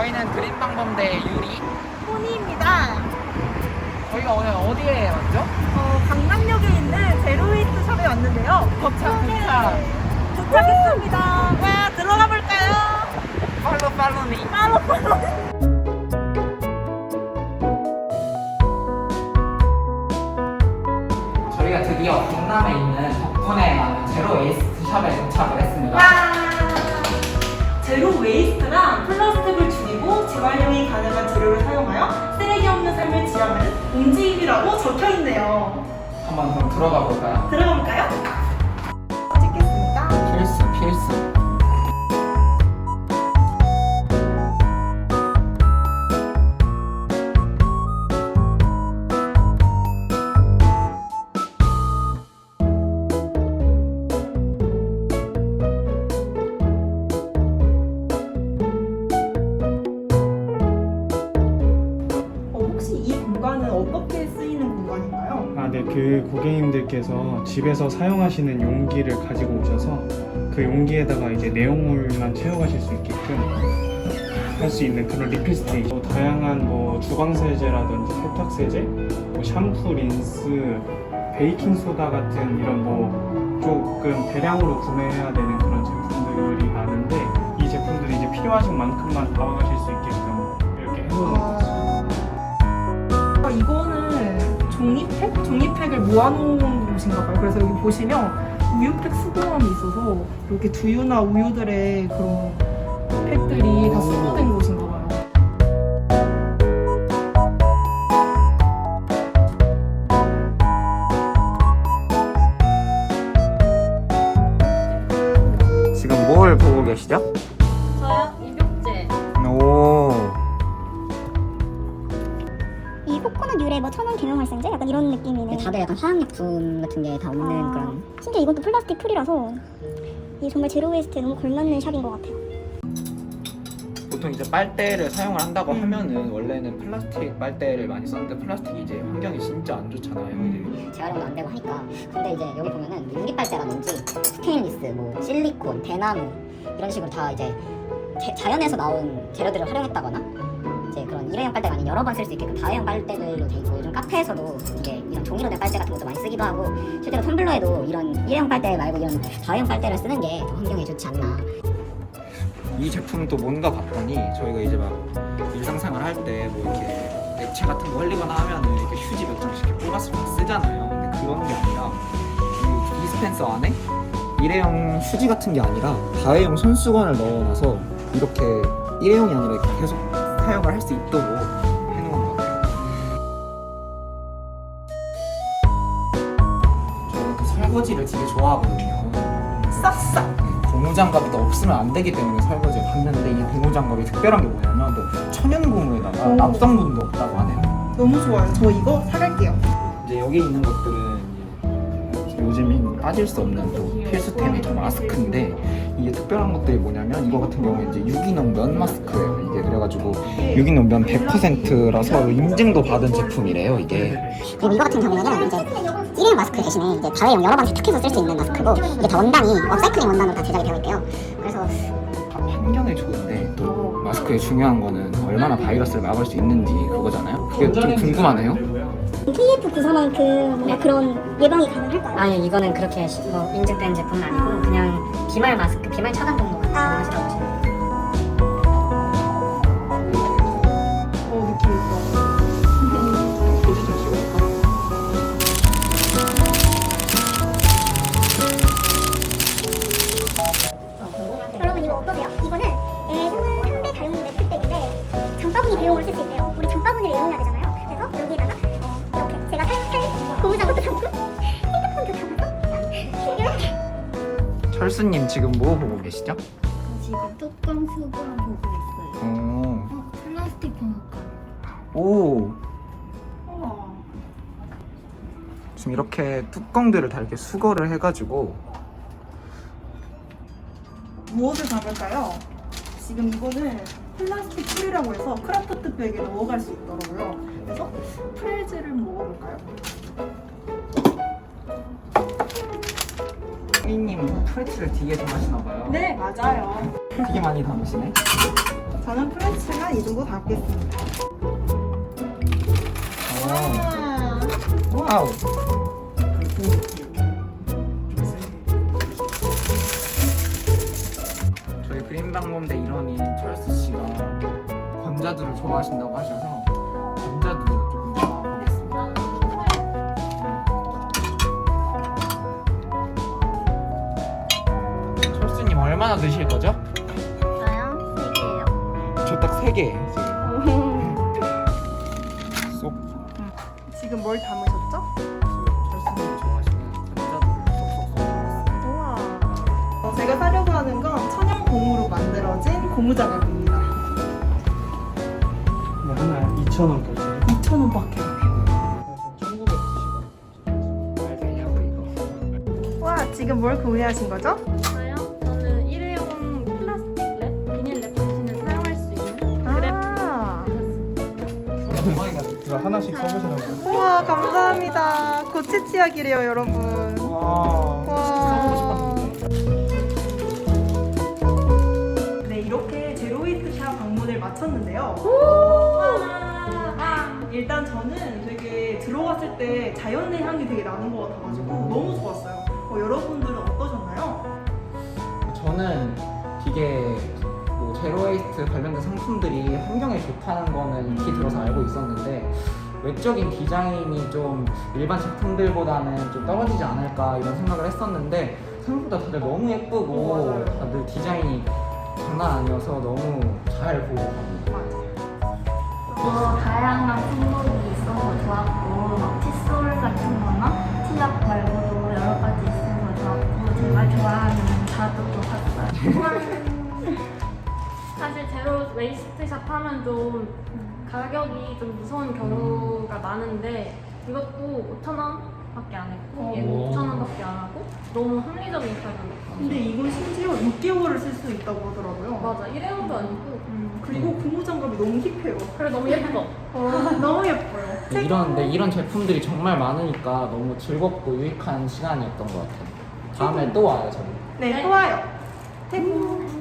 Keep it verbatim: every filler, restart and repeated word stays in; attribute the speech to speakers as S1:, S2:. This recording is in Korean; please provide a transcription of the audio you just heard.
S1: 저희는 그린방범대 유리
S2: 포니입니다.
S1: 저희가 오늘 어디에 왔죠?
S2: 어, 강남역에 있는 제로웨이스트 샵에 왔는데요.
S1: 도착 도착
S2: 도착했습니다. 와, 들어가 볼까요?
S1: 팔로 팔로미
S2: 팔로 팔로.
S1: 저희가 드디어 강남에 있는 덕분에 많은 제로 웨이스트 샵에 도착을 했습니다.
S2: 제로 웨이스트란 플라스틱을 줄이고 재활용이 가능한 재료를 사용하여 쓰레기 없는 삶을 지향하는 움직임이라고 적혀 있네요.
S1: 한번 그럼 들어가 볼까요?
S2: 들어가 볼까요? 찍겠습니다.
S1: 필수 필수
S2: 어떻게 쓰이는 공간인가요?
S3: 아, 네. 그 고객님들께서 집에서 사용하시는 용기를 가지고 오셔서 그 용기에다가 이제 내용물만 채워가실 수 있게끔 할 수 있는 그런 리필 스테이션. 뭐 다양한 뭐 주방 세제라든지 세탁 세제, 뭐 샴푸, 린스, 베이킹 소다 같은 이런 뭐 조금 대량으로 구매해야 되는 그런 제품들이 많은데 이 제품들이 이제 필요하신 만큼만 담아가실 수 있게끔 이렇게 해놓은 거죠.
S2: 아, 이거는 종이팩? 종이팩을 모아놓은 곳인가 봐요. 그래서 여기 보시면 우유팩 수거함이 있어서 이렇게 두유나 우유들의 그런 팩들이 다 수거된 곳인가 봐요.
S1: 지금 뭘 보고 계시죠?
S4: 저요? 입욕제.
S1: 오
S5: 이 코코넛 유래 뭐 천연 계명 활성제 약간 이런 느낌이네.
S6: 다들 약간 화학약품 같은 게 다 없는
S5: 아,
S6: 그런.
S5: 심지어 이건 또 플라스틱 프리라서 이게 정말 제로 웨이스트에 너무 걸맞는 샵인 것 같아요.
S1: 보통 이제 빨대를 사용을 한다고 하면은 원래는 플라스틱 빨대를 많이 썼는데 플라스틱이 이제 환경이 진짜 안 좋잖아요. 이제.
S6: 재활용도 안 되고 하니까. 근데 이제 여기 보면은 유리빨대라든지 스테인리스, 뭐 실리콘, 대나무 이런 식으로 다 이제 제, 자연에서 나온 재료들을 활용했다거나 이제 그런 일회용 빨대가 아닌 여러 번 쓸 수 있게끔 다회용 빨대들로 돼 있고, 요즘 카페에서도 이게 이런 종이로 된 빨대 같은 것도 많이 쓰기도 하고, 실제로 텀블러에도 이런 일회용 빨대 말고 이런 다회용 빨대를 쓰는 게 더 환경에 좋지 않나.
S1: 이 제품은 또 뭔가 봤더니 저희가 이제 막 일상생활 할 때 뭐 이렇게 액체 같은 거 흘리거나 하면은 이렇게 휴지 몇 장씩 이렇게 뽑아서 막 쓰잖아요. 근데 그런 게 아니라 이 디스펜서 안에 일회용 휴지 같은 게 아니라 다회용 손수건을 넣어놔서 이렇게 일회용이 아니라 이렇게 계속 사용을 할 수 있도록 해놓은 것 같아요. 저는 그 설거지를 되게 좋아하거든요.
S2: 싹싹!
S1: 고무장갑이 또 없으면 안 되기 때문에 설거지를 봤는데 이 고무장갑이 특별한 게 뭐냐면 또 천연고무에다가
S2: 오.
S1: 납성분도 없다고 하네요.
S2: 너무 좋아요. 저 이거 사갈게요.
S1: 이제 여기 있는 것들은 이제 요즘 빠질 수 없는 또 필수템이 저 마스크인데 이게 특별한 것들이 뭐냐면 이거 같은 경우에 이제 유기농 면 마스크예요. 이게 그래가지고 유기농 면 백 퍼센트라서 인증도 받은 제품이래요. 이게
S5: 그리고 이거 같은 경우에는 이제 일회용 마스크 대신에 이제 다회용 여러 번 세탁해서 쓸 수 있는 마스크고, 이게 다 원단이 업사이클링 원단으로 다 제작이 되어 있대요. 그래서
S1: 다 환경에 좋은데 또 마스크의 중요한 거는 얼마나 바이러스를 막을 수 있는지 그거잖아요. 그게 좀 궁금하네요.
S5: 케이에프 구십사만큼 뭔가 그런 예방이 가능할까요?
S6: 아니, 이거는 그렇게 시- 뭐 인증된 제품은 아니고 그냥 비말 마스크, 비말 차단 정도가 가능하시다고 보시면 돼요.
S2: 어, 느낌 있어.
S1: 포즈 좀 찍어볼까?
S5: 여러분 이거 어떠세요? 이거는 애는 한 배 다용 매트백인데 장바구니 대용으로 쓸 수 있대요. 우리 장바구니를 이용해야 되잖아요. 그래서 여기다가 어, 이렇게 제가 살살 고무장갑도 담고 핸드폰도 담아서 이렇게.
S1: 철수님 지금 뭐 보고 계시죠?
S4: 지금 뚜껑 수건 보고 있어요.
S1: 오.
S4: 어, 플라스틱 번호가.
S1: 오.
S2: 우와.
S1: 지금 이렇게 뚜껑들을 다 이렇게 수거를 해가지고
S2: 무엇을 담을까요? 지금 이거는 플라스틱 풀이라고 해서 크라프트 백에 넣어갈 수 있더라고요. 그래서 프레즈를 먹어볼까요?
S1: 혜인님 프레츠를 되게 좋아하시나봐요.
S2: 네, 맞아요.
S1: 되게 많이 담으시네.
S2: 저는 프렌치가 이 정도 담겠습니다.
S1: 오. 와우. 저희 그림방범대 일원인 철수 씨가 건자두를 좋아하신다고 하셔서 건자두 조금 넣어보겠습니다. 철수님 얼마나 드실 거죠?
S4: 저요? 세 개요.
S1: 저 딱 세 개. 쏙.
S2: 지금 뭘 담으셨죠?
S1: 철수님이 좋아하시는 건자두를 쏙쏙 넣어봤습니다.
S2: 우와. 어, 제가 사려고 하는 건 천연 고무로 만들어진 고무장갑입니다.
S3: 뭐 하나 이천 원 결제.
S2: 이천 원밖에 안 해요.
S3: 천구백구십 원.
S1: 말 되냐고 이거.
S2: 와, 지금 뭘 구매하신 거죠?
S4: 저요? 저는 일회용 플라스틱 랩, 비닐 랩 대신에 사용할 수 있는 그랩
S2: 아,
S3: 이거 하나씩 써보시라고.
S2: 우와, 감사합니다. 고치치약이래요, 여러분.
S1: 와. 써보고
S2: 와.
S1: 싶었는데.
S2: 네, 이렇게 제로웨이트샵 방문을 마쳤는데요. 일단 저는 되게 들어갔을 때 자연의 향이 되게 나는 것 같아가지고 너무 좋았어요. 어, 여러분들은 어떠셨나요?
S1: 저는 되게 뭐 제로웨이스트 관련된 상품들이 환경에 좋다는 거는 익히 들어서 알고 있었는데 외적인 디자인이 좀 일반 제품들보다는 좀 떨어지지 않을까 이런 생각을 했었는데 생각보다 다들 너무 예쁘고
S2: 어, 맞아요.
S1: 다들 디자인이 장난 아니어서 너무 잘 보고 갑니다.
S2: 맞아요.
S4: 어, 다양한 품목이 있어서 좋았고 막 칫솔 같은 거나 치약 말고도 여러 가지 있어서 좋았고 제가 좋아하는 자두도 샀어요. 사실 제로 웨이스트샵 하면 좀 가격이 좀 무서운 경우가 많은데 이것도 오천 원밖에 안 했고 얘도
S1: 오.
S4: 오천 원밖에 안 하고 너무 합리적인 가격이었어요.
S2: 근데 이건 심지어 육 개월을 쓸 수 있다고 하더라고요.
S4: 맞아, 일회용도 아니고
S2: 음, 그리고 고무장갑이 너무 힙해요.
S4: 그래 너무 예뻐.
S2: 어, 너무 예뻐요.
S1: 네, 이런 네, 이런 제품들이 정말 많으니까 너무 즐겁고 유익한 시간이었던 것 같아요. 다음에 또 와요 저희.
S2: 네, 또 와요. 최고.